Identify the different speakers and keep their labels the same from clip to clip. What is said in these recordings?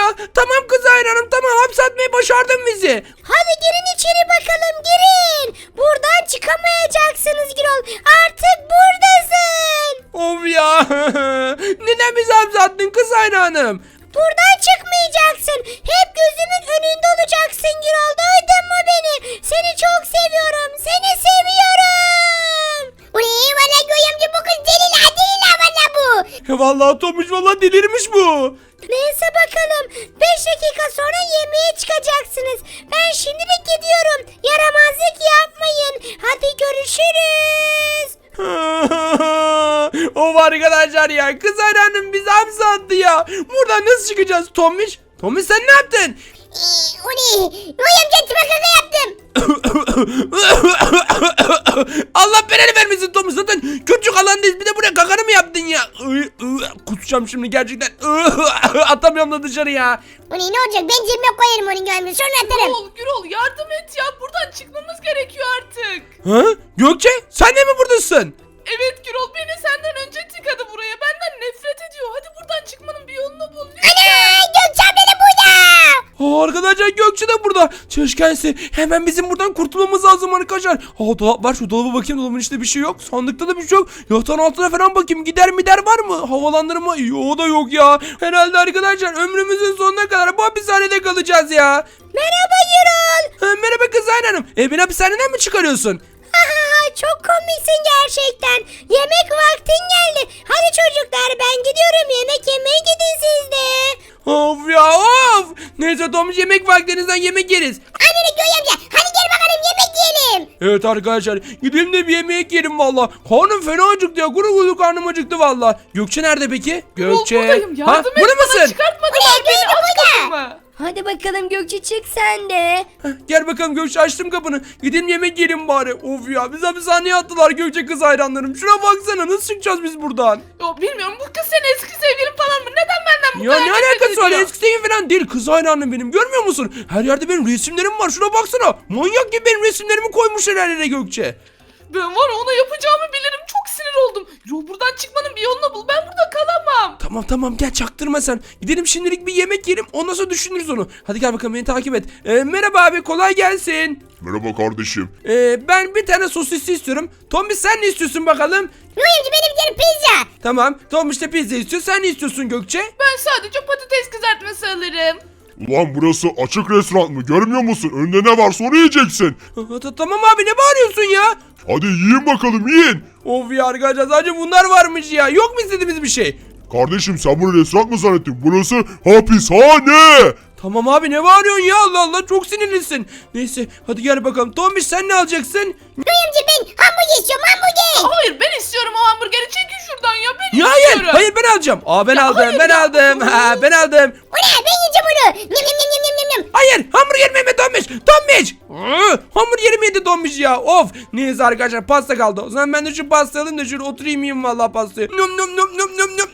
Speaker 1: Tamam kız hayranım, tamam, hapse atmayı başardın bizi.
Speaker 2: Hadi girin içeri bakalım, girin. Buradan çıkamayacaksınız Gürol. Artık buradasın.
Speaker 1: Of ya. Neden bizi hapse attın kız hayranım?
Speaker 2: Buradan çıkmayacaksın. Hep gözümün önünde olacaksın Gürol. Duydun mu beni? Seni çok seviyorum. Seni seviyorum. Uy valla Göğe bu kız deli valla bu.
Speaker 1: Vallahi Tomuş, vallahi delirmiş bu.
Speaker 2: Neyse bakalım. 5 dakika sonra yemeğe çıkacaksınız. Ben şimdilik gidiyorum. Yaramazlık yapmayın. Hadi görüşürüz.
Speaker 1: Of arkadaşlar ya, kız hayranım bizi hapse attı ya. Buradan nasıl çıkacağız Tomuş? Tomuş sen ne yaptın?
Speaker 2: O ne? Göğe amca tıbakaka yaptım.
Speaker 1: Allah belanı vermesin Tomuş, zaten küçük alandayız, bir de buraya kakanı mı yaptın ya? Kusacağım şimdi gerçekten. Atamıyorum da dışarı ya.
Speaker 2: O ne olacak? Ben cebime koyarım onu Göğe amca. Sonra atarım.
Speaker 3: Gürol yardım et ya. Buradan çıkmamız gerekiyor artık.
Speaker 1: Ha? Gökçe sen de mi buradasın?
Speaker 3: Evet Gürol, beni senden önce tıkadı buraya. Benden nefret ediyor. Hadi buradan çıkmanın bir yolunu bul.
Speaker 2: Ana! Gökçe abla da burada.
Speaker 1: Arkadaşlar Gökçe de burada. Çalışkense hemen bizim buradan kurtulmamız lazım arkadaşlar. Dolap var, şu dolaba bakayım, dolabın içinde bir şey yok. Sandıkta da bir şey yok. Yatağın altına falan bakayım, gider var mı? Havalandırma yok da yok ya. Herhalde arkadaşlar ömrümüzün sonuna kadar bu hapishanede kalacağız ya.
Speaker 2: Merhaba Gürol.
Speaker 1: Merhaba kız hanım. Beni hapishaneden mi çıkarıyorsun?
Speaker 2: Çok komiksin gerçekten. Yemek vaktin geldi. Hadi çocuklar ben gidiyorum. Yemek yemeye gidin siz de.
Speaker 1: Of ya of. Neyse Tomuş, yemek vaktinizden yemek yeriz.
Speaker 2: Anne Göğe amca. Hadi gel bakalım yemek yiyelim.
Speaker 1: Evet arkadaşlar, gidelim de bir yemek yiyelim valla. Karnım fena acıktı ya. Kuru kuru karnım acıktı valla. Gökçe nerede peki? Gökçe.
Speaker 3: Buradayım. Yardım et
Speaker 1: burada
Speaker 3: bana.
Speaker 1: mısın?
Speaker 3: Çıkartmadılar beni. Aç kapımı.
Speaker 2: Hadi bakalım Gökçe çık sen de.
Speaker 1: Gel bakalım Gökçe, açtım kapını. Gidelim yemek yiyelim bari. Of ya, biz hapishaneye attılar Gökçe kız hayranlarım. Şuna baksana, nasıl çıkacağız biz buradan?
Speaker 3: Yo, bilmiyorum, bu kız senin eski sevgilin falan mı? Neden benden bu
Speaker 1: Ya
Speaker 3: kadar
Speaker 1: ne
Speaker 3: nefret
Speaker 1: alakası var,
Speaker 3: ediyor?
Speaker 1: eski sevgilim falan değil, kız hayranım benim, görmüyor musun? Her yerde benim resimlerim var, şuna baksana. Manyak gibi benim resimlerimi koymuşlar her yere Gökçe.
Speaker 3: Ben var ya, ona yapacağımı bilirim. Çok sinir oldum. Yo, buradan çıkmanın bir yolunu bul. Ben burada kalamam.
Speaker 1: Tamam gel, çaktırma sen. Gidelim şimdilik bir yemek yiyelim, ondan sonra düşünürüz onu. Hadi gel bakalım, beni takip et. Merhaba abi, kolay gelsin.
Speaker 4: Merhaba kardeşim.
Speaker 1: Ben bir tane sosisli istiyorum. Tombiş sen ne istiyorsun bakalım?
Speaker 2: Göğe amca benim canım pizza.
Speaker 1: Tamam, Tombiş de pizza istiyor. Sen ne istiyorsun Gökçe?
Speaker 3: Ben sadece patates kızartması alırım.
Speaker 4: Ulan burası açık restoran mı? Görmüyor musun? Önünde ne varsa onu yiyeceksin.
Speaker 1: Tamam abi, ne bağırıyorsun ya?
Speaker 4: Hadi yiyin bakalım yiyin.
Speaker 1: Of ya arkadaşlar, sadece bunlar varmış ya. Yok mu istediğimiz bir şey?
Speaker 4: Kardeşim sen bunu restoran mı zannettin? Burası hapishane.
Speaker 1: Tamam abi, ne bağırıyorsun ya, Allah Allah, çok sinirlisin. Neyse hadi gel bakalım. Tombiş sen ne alacaksın?
Speaker 2: Göğe amca ben hamburger istiyorum hamburger.
Speaker 3: Hayır, ben istiyorum o hamburgeri. Çekin şuradan ya. Ben
Speaker 1: Ya
Speaker 3: istiyorum.
Speaker 1: hayır ben alacağım. Ben aldım,
Speaker 3: hayır
Speaker 1: ben
Speaker 3: ya.
Speaker 1: aldım. Ben aldım.
Speaker 2: O ne ben yiyeceğim onu. Nyam nyam nyam nyam nyam nyam.
Speaker 1: Hayır, hamburgerimi yeme Tombiş. Tombiş. Hamburgerimi yedi Tombiş ya. Of. Neyse arkadaşlar, pasta kaldı. O zaman ben de şu pasta alayım da şöyle oturayım yiyeyim vallahi pastayı. Nom nom nom nom nom nom.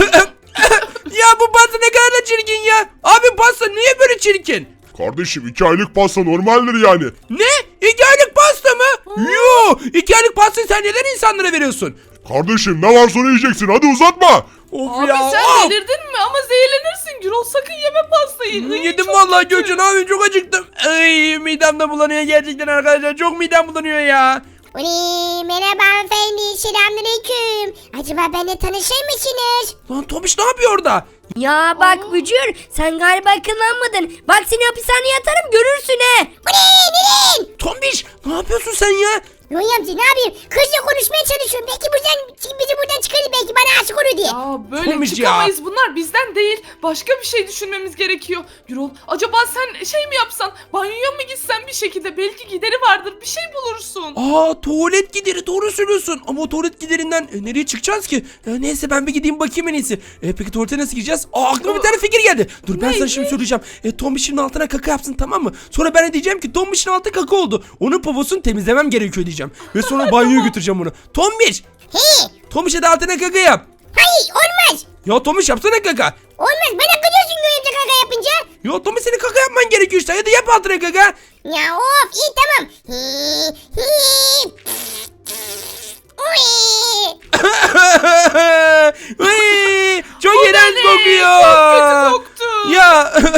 Speaker 1: Ya bu pasta ne kadar da çirkin ya. Abi pasta niye böyle çirkin?
Speaker 4: Kardeşim 2 aylık pasta normaldir yani.
Speaker 1: Ne? 2 aylık pasta mı? Yo, 2 aylık pastayı sen neden insanlara veriyorsun?
Speaker 4: Kardeşim ne varsa onu yiyeceksin. Hadi uzatma.
Speaker 1: Of
Speaker 3: Abi
Speaker 1: ya.
Speaker 3: sen
Speaker 1: of.
Speaker 3: delirdin mi? Ama zehirlenirsin Gürol. Sakın yeme pastayı. Ay,
Speaker 1: Yedim
Speaker 3: çok
Speaker 1: vallahi
Speaker 3: kötü.
Speaker 1: Gökçen abi, çok acıktım. Ay, midem de bulanıyor gerçekten arkadaşlar. Çok midem bulanıyor ya.
Speaker 2: Uy merhaba hanımefendi selamünaleyküm. Acaba benimle tanışır mısınız?
Speaker 1: Lan Tomiş ne yapıyor orada?
Speaker 2: Ya bak Bücür sen galiba akıllanmadın. Bak seni hapishaneye atarım görürsün he. Bu ne? Neden?
Speaker 1: Tombiş ne yapıyorsun sen ya?
Speaker 2: Yoy amca ne yapayım? Kızla konuşmaya çalışıyorum. Belki bizi buradan çıkarır belki bana aşık olur diye.
Speaker 3: Ya böyle
Speaker 1: Tombiş ya.
Speaker 3: çıkamayız. Bunlar bizden değil. Başka bir şey düşünmemiz gerekiyor. Gürol, acaba sen şey mi yapsan? Banyoya mı gitsen bir şekilde? Belki gideri vardır. Bir şey bulursun.
Speaker 1: Tuvalet gideri, doğru söylüyorsun. Ama o tuvalet giderinden nereye çıkacağız ki? Neyse ben bir gideyim bakayım en iyisi. Peki tuvalete nasıl gireceğiz? Aklıma bir tane fikir geldi. Dur ben sana şimdi söyleyeceğim. Tombiş'in altına kaka yapsın, tamam mı? Sonra ben de diyeceğim ki Tombiş'in altı kaka oldu. Onun poposunu temizlemem gerekiyor diyeceğim. Ve sonra banyoya götüreceğim onu. Tombiş!
Speaker 2: He.
Speaker 1: Tombiş'e de altına kaka yap.
Speaker 2: Hayır olmaz.
Speaker 1: Ya Tombiş yapsana kaka.
Speaker 2: Olmaz bana kızıyorsun Yoy amca kaka yapınca.
Speaker 1: Ya Tombiş, senin kaka yapman gerekiyor işte. Hadi yap altına kaka.
Speaker 2: Ya of iyi tamam. Hi, hi. Uy.
Speaker 1: Uy, çok iğrenç
Speaker 3: ne?
Speaker 1: kokuyor.
Speaker 3: Çok kötü koktu.
Speaker 1: Ya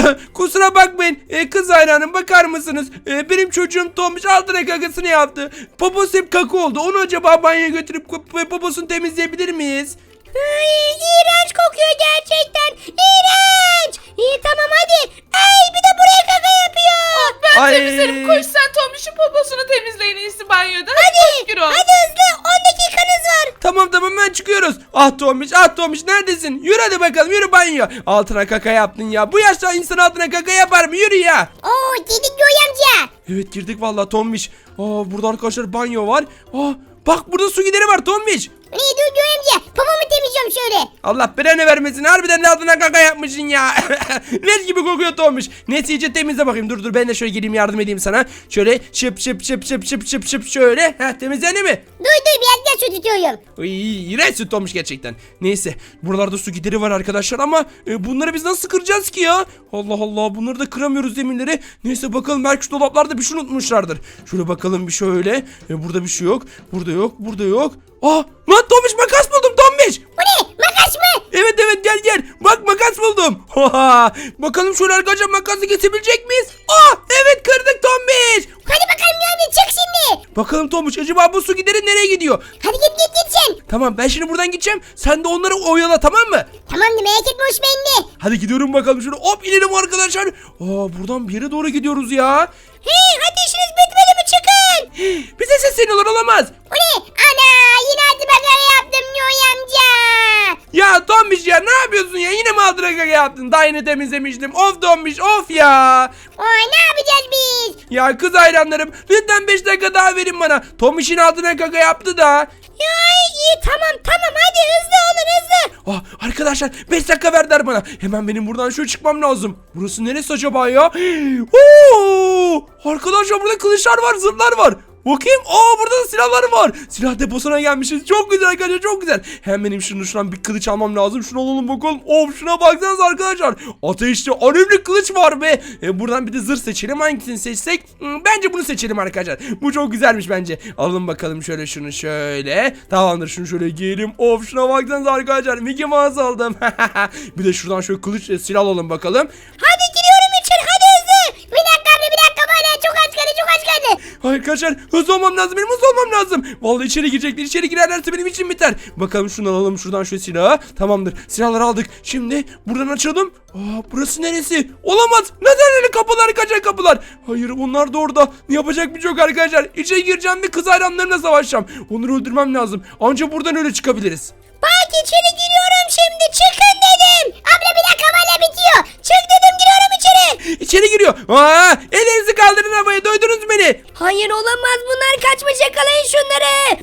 Speaker 1: kusura bakmayın. Kız hayranım bakar mısınız? Benim çocuğum Tombiş altına kakasını yaptı. Poposu hep kaka oldu. Onu acaba banyoya götürüp poposunu temizleyebilir miyiz?
Speaker 2: Ay, iğrenç kokuyor gerçekten. İğrenç. İyi tamam hadi. Ay bir de buraya kaka yapıyor.
Speaker 3: Ben
Speaker 1: Ay.
Speaker 3: temizlerim. Koş sen Tombiş'in poposunu temizleyin iyisi banyoda.
Speaker 2: Hadi.
Speaker 3: Koş Gürol.
Speaker 2: Hadi hızlı 10 dakikanız var.
Speaker 1: Tamam hemen çıkıyoruz. Ah Tombiş neredesin? Yürü hadi bakalım yürü banyo. Altına kaka yaptın ya. Bu yaşta insan altına kaka yapar mı? Yürü ya.
Speaker 2: Oo dedik Göğe amca.
Speaker 1: Evet girdik vallahi Tombiş. Burada arkadaşlar banyo var. Bak burada su gideri var Tombiş.
Speaker 2: Ne dur Göğe amca. Babamı temizliyorum şöyle.
Speaker 1: Allah belanı vermesin. Harbiden altına kaka yapmışsın ya. Leş gibi kokuyor Tombiş. Neyse iyice temizle bakayım. Dur ben de şöyle geleyim yardım edeyim sana. Şöyle şıp şöyle. Temizlendi mi?
Speaker 2: Dur biraz daha su tutuyorum.
Speaker 1: İğrençsin Tombiş gerçekten. Neyse buralarda su gideri var arkadaşlar ama bunları biz nasıl kıracağız ki ya? Allah Allah bunları da kıramıyoruz demirleri. Neyse bakalım belki şu dolaplarda bir şey unutmuşlardır. Şöyle bakalım bir şöyle. Burada bir şey yok. Burada yok. Lan Tombiş makas buldum Tombiş.
Speaker 2: Bu ne? Makas mı?
Speaker 1: Evet gel. Bak makas buldum. Bakalım şöyle arkadaşlar makası kesebilecek miyiz? Evet kırdık Tombiş.
Speaker 2: Hadi bakalım Göğe amca çık şimdi.
Speaker 1: Bakalım Tombiş acaba bu su gideri nereye gidiyor?
Speaker 2: Hadi git sen.
Speaker 1: Tamam ben şimdi buradan gideceğim. Sen de onları oyala tamam mı?
Speaker 2: Tamamdır merak etme hoş bende.
Speaker 1: Hadi gidiyorum bakalım şöyle hop inelim arkadaşlar. Buradan bir yere doğru gidiyoruz ya.
Speaker 2: Hey hadi işiniz bitmedi mi çıkın.
Speaker 1: Bize sesleniyorlar olamaz.
Speaker 2: Bu ne? Ana yine hadi bakara yaptım Göğe amca.
Speaker 1: Ya Tombiş ya ne yapıyorsun ya? Yine mi altına kaka yaptın? Daha yeni temizlemiştim. Of Tombiş of ya.
Speaker 2: Oy ne yapacağız biz?
Speaker 1: Ya kız hayranlarım lütfen 5 dakika daha verin bana. Tombiş'in altına kaka yaptı da.
Speaker 2: Ya iyi tamam hadi hızlı olun hızlı.
Speaker 1: Arkadaşlar 5 dakika verdiler bana. Hemen benim buradan şöyle çıkmam lazım. Burası neresi acaba ya? Arkadaşlar burada kılıçlar var, zırhlar var. Bakayım. Burada da silahlar var. Silah deposuna gelmişiz. Çok güzel arkadaşlar çok güzel. Hemen benim şuradan bir kılıç almam lazım. Şunu alalım bakalım. Şuna baksanıza arkadaşlar. Ateşli alevli kılıç var be. Buradan bir de zırh seçelim. Hangisini seçsek? Bence bunu seçelim arkadaşlar. Bu çok güzelmiş bence. Alalım bakalım şöyle şunu şöyle. Tamamdır şunu şöyle giyelim. Şuna baksanıza arkadaşlar. Mickey Mouse aldım. Bir de şuradan şöyle kılıç silah alalım bakalım.
Speaker 2: Hadi giriyorum içeri hadi hızlı. Bir dakika bana çok az kaldı.
Speaker 1: Arkadaşlar hızlı olmam lazım benim hızlı olmam lazım. Vallahi içeri girecekler içeri girerlerse benim için biter. Bakalım şunu alalım şuradan şu silahı. Tamamdır silahları aldık. Şimdi buradan açalım. Burası neresi? Olamaz. Lazerli kapılar kaçak kapılar. Hayır onlar da orada. Yapacak bir şey yok arkadaşlar. İçeri gireceğim ve kız hayranlarına savaşacağım. Onları öldürmem lazım. Ancak buradan öyle çıkabiliriz.
Speaker 2: Bak içeri giriyorum şimdi çıkın dedim. Abla bir dakika bana bitiyor. Çık dedim giriyorum içeri.
Speaker 1: İçeri giriyor. Ellerinizi kaldırın havaya duydunuz beni.
Speaker 2: Hayır olamaz bunlar kaçmış yakalayın şunları.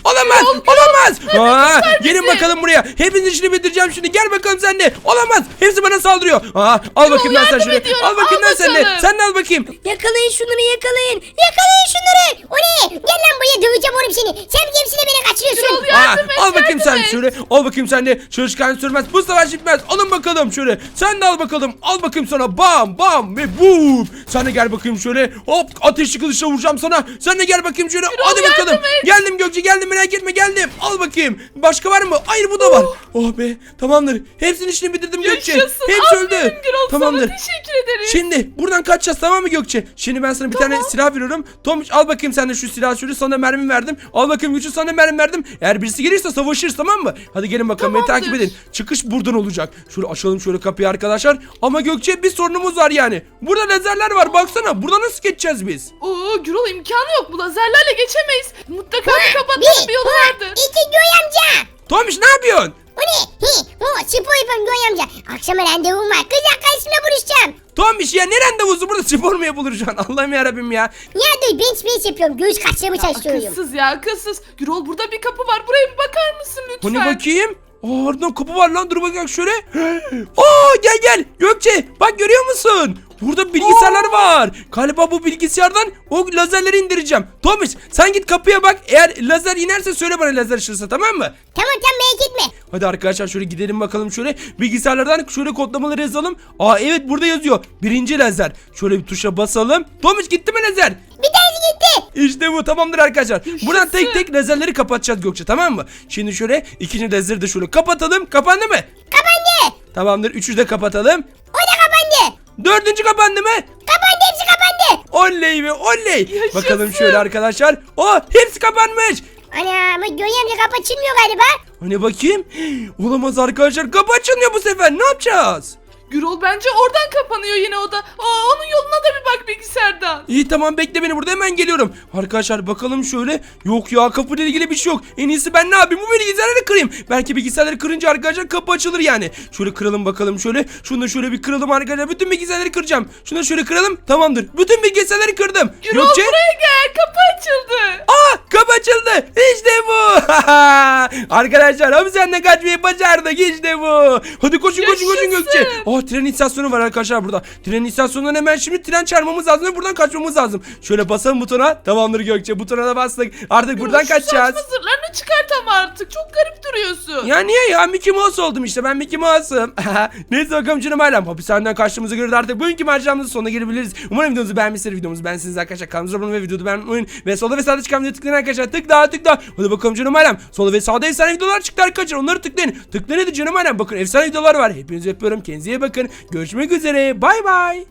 Speaker 1: Olamaz. Gelin bakalım buraya. Hepinizin işini bitireceğim şimdi. Gel bakalım sen de. Olamaz. Hepsi bana saldırıyor. Al bakayım lan sen şunu. Al bakayım lan sen de. Sen de al bakayım.
Speaker 2: Yakalayın şunları yakalayın. Yakalayın şunları. O ne? Gel lan buraya döveceğim oğlum seni. Sen kimsine beni kaçırıyorsun.
Speaker 1: Al bakayım sen şöyle. Al bakayım sen de. Çalışkan sürmez. Bu savaş bitmez. Alın bakalım şöyle. Sen de al bakalım. Al bakayım sana. Bam bam ve boom. Sen de gel bakayım şöyle. Hop ateşli kılıçla vuracağım sana. Sen de gel bakayım şöyle. Hadi bakalım. Geldim Gökçe geldim merak etme geldim. Al bakayım. Başka var mı? Hayır bu da var. Oh be tamamdır. Hepsinin işini bitirdim Gökçe.
Speaker 3: Yaşasın.
Speaker 1: Hepsi öldü.
Speaker 3: Gürol,
Speaker 1: Tamamdır.
Speaker 3: sana teşekkür ederim.
Speaker 1: Şimdi buradan kaçacağız tamam mı Gökçe? Şimdi ben sana bir tane silah veriyorum. Tomuç al bakayım sen de şu silahı şöyle sana mermi verdim. Al bakayım Gökçe sana mermi verdim. Eğer birisi gelirse savaşırız tamam mı? Hadi gelin bakalım beni takip edin. Çıkış buradan olacak. Şöyle açalım şöyle kapıyı arkadaşlar. Ama Gökçe bir sorunumuz var yani. Burada lazerler var baksana. Burada nasıl geçeceğiz biz?
Speaker 3: Gürol imkanı yok. Bu lazerlerle geçemeyiz. Mutlaka bir kapatmanın bir yolu vardır.
Speaker 2: İki Göğe amca.
Speaker 1: Tomuç ne yapıyorsun?
Speaker 2: O ne? Spor yapıyorum Göğe amca. Akşama randevum var. Kız arkadaşımla buluşacağım.
Speaker 1: Tomuç ya ne randevusu burada spor mu yapılır şu an? Allah'ım yarabbim ya.
Speaker 2: Ya dur bench yapıyorum. Göğüs kaçlarımı çalışıyorum.
Speaker 3: Akılsız ya akılsız. Gürol burada bir kapı var. Buraya bir bakar mısın lütfen?
Speaker 1: Hani bakayım? Oradan kapı var lan dur bakayım şöyle. Gel Gökçe bak görüyor musun? Burada bilgisayarlar var. Galiba bu bilgisayardan o lazerleri indireceğim. Tomuç sen git kapıya bak. Eğer lazer inerse söyle bana lazer ışırsa tamam mı?
Speaker 2: Tamam merak etme.
Speaker 1: Hadi arkadaşlar şöyle gidelim bakalım şöyle. Bilgisayarlardan şöyle kodlamaları yazalım. Evet burada yazıyor. Birinci lazer. Şöyle bir tuşa basalım. Tomuç gitti mi lazer?
Speaker 2: Bir tanesi gitti.
Speaker 1: İşte bu tamamdır arkadaşlar. Buradan tek tek lazerleri kapatacağız Gökçe tamam mı? Şimdi şöyle ikinci lazeri de şöyle kapatalım. Kapandı mı?
Speaker 2: Kapandı.
Speaker 1: Tamamdır. Üçü de kapatalım.
Speaker 2: O da kapandı.
Speaker 1: Dördüncü kapandı mı?
Speaker 2: Kapandı, hepsi kapandı.
Speaker 1: Oley be oley.
Speaker 3: Yaşasın.
Speaker 1: Bakalım şöyle arkadaşlar. Hepsi kapanmış.
Speaker 2: Ana ama Göğe amca kapı açılmıyor galiba.
Speaker 1: Hani bakayım. Olamaz arkadaşlar. Kapı açılmıyor bu sefer. Ne yapacağız?
Speaker 3: Gürol bence oradan kapanıyor yine o da. Onun yoluna da bir bak bilgisayardan.
Speaker 1: İyi tamam bekle beni burada hemen geliyorum. Arkadaşlar bakalım şöyle. Yok ya kapıyla ilgili bir şey yok. En iyisi ben ne yapayım? Bu bilgisayarları kırayım. Belki bilgisayarları kırınca arkadaşlar kapı açılır yani. Şöyle kıralım bakalım şöyle. Şunu da şöyle bir kıralım arkadaşlar. Bütün bilgisayarları kıracağım. Şunu da şöyle kıralım. Tamamdır. Bütün bilgisayarları kırdım.
Speaker 3: Gürol buraya gel, kapı açıldı.
Speaker 1: Kapı açıldı. İşte bu. Arkadaşlar hapishaneden kaçmayı başardık. İşte bu. Hadi koşun
Speaker 3: Yaşasın.
Speaker 1: Gökçe. Tren istasyonu var arkadaşlar burada. Tren istasyonundan hemen şimdi tren çağırmamız lazım ve buradan kaçmamız lazım. Şöyle basalım butona. Tamamdır Gökçe. Butona da bastık. Artık buradan
Speaker 3: Şu
Speaker 1: kaçacağız.
Speaker 3: saçma zırhlarını çıkart ama artık. Çok garip duruyorsun.
Speaker 1: Ya niye ya? Mickey Mouse oldum işte. Ben Mickey Mouse'um. Neyse bakalım canım ailem. Hapishaneden kaçtığımızı göre de artık bugünkü maceramızın sonuna gelebiliriz. Umarım videomuzu beğenmişsiniz. Videomuzu beğensiniz arkadaşlar. Kanalımıza abone olun ve videoyu beğenmeyi ve solda ve sağda çıkan videoyu tıklayın arkadaşlar. Tıkla. Hadi bakalım canım ailem. Solda ve sağda efsane videolar çıktı arkadaşlar. Onları tıklayın. Tıklayın hadi canım ailem. Bakın efsane videolar var. Hepinizi öpüyorum. Kendinize iyi bakın. Görüşmek üzere. Bay bay.